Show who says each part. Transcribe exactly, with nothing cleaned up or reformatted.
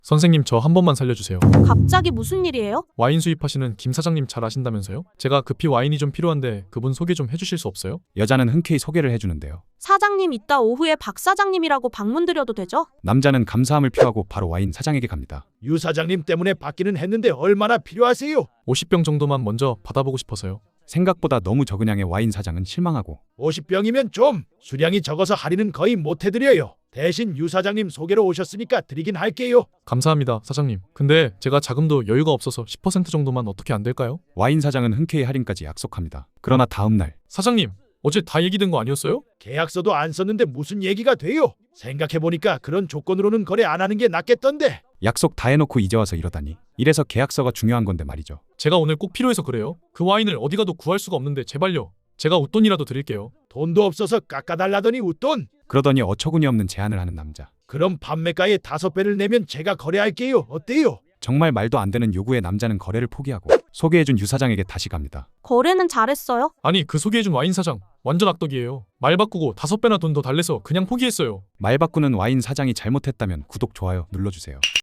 Speaker 1: 선생님, 저 한 번만 살려주세요.
Speaker 2: 갑자기 무슨 일이에요?
Speaker 1: 와인 수입하시는 김 사장님 잘 아신다면서요? 제가 급히 와인이 좀 필요한데 그분 소개 좀 해주실 수 없어요?
Speaker 3: 여자는 흔쾌히 소개를 해주는데요.
Speaker 2: 사장님, 이따 오후에 박 사장님이라고 방문 드려도 되죠?
Speaker 3: 남자는 감사함을 표하고 바로 와인 사장에게 갑니다.
Speaker 4: 유 사장님 때문에 받기는 했는데 얼마나 필요하세요?
Speaker 1: 오십 병 정도만 먼저 받아보고 싶어서요.
Speaker 3: 생각보다 너무 적은 양의 와인 사장은 실망하고
Speaker 4: 오십 병이면 좀 수량이 적어서 할인은 거의 못 해드려요. 대신 유 사장님 소개로 오셨으니까 드리긴 할게요.
Speaker 1: 감사합니다, 사장님. 근데 제가 자금도 여유가 없어서 십 퍼센트 정도만 어떻게 안 될까요?
Speaker 3: 와인 사장은 흔쾌히 할인까지 약속합니다. 그러나 다음날
Speaker 1: 사장님, 어제 다 얘기된 거 아니었어요?
Speaker 4: 계약서도 안 썼는데 무슨 얘기가 돼요? 생각해보니까 그런 조건으로는 거래 안 하는 게 낫겠던데.
Speaker 3: 약속 다 해놓고 이제 와서 이러다니. 이래서 계약서가 중요한 건데 말이죠.
Speaker 1: 제가 오늘 꼭 필요해서 그래요. 그 와인을 어디 가도 구할 수가 없는데 제발요. 제가 웃돈이라도 드릴게요.
Speaker 4: 돈도 없어서 깎아달라더니 웃돈.
Speaker 3: 그러더니 어처구니 없는 제안을 하는 남자.
Speaker 4: 그럼 판매가의 다섯 배를 내면 제가 거래할게요. 어때요?
Speaker 3: 정말 말도 안 되는 요구에 남자는 거래를 포기하고 소개해준 유 사장에게 다시 갑니다.
Speaker 2: 거래는 잘했어요?
Speaker 1: 아니, 그 소개해준 와인 사장 완전 악덕이에요. 말 바꾸고 다섯 배나 돈 더 달래서 그냥 포기했어요.
Speaker 3: 말 바꾸는 와인 사장이 잘못했다면 구독, 좋아요 눌러주세요.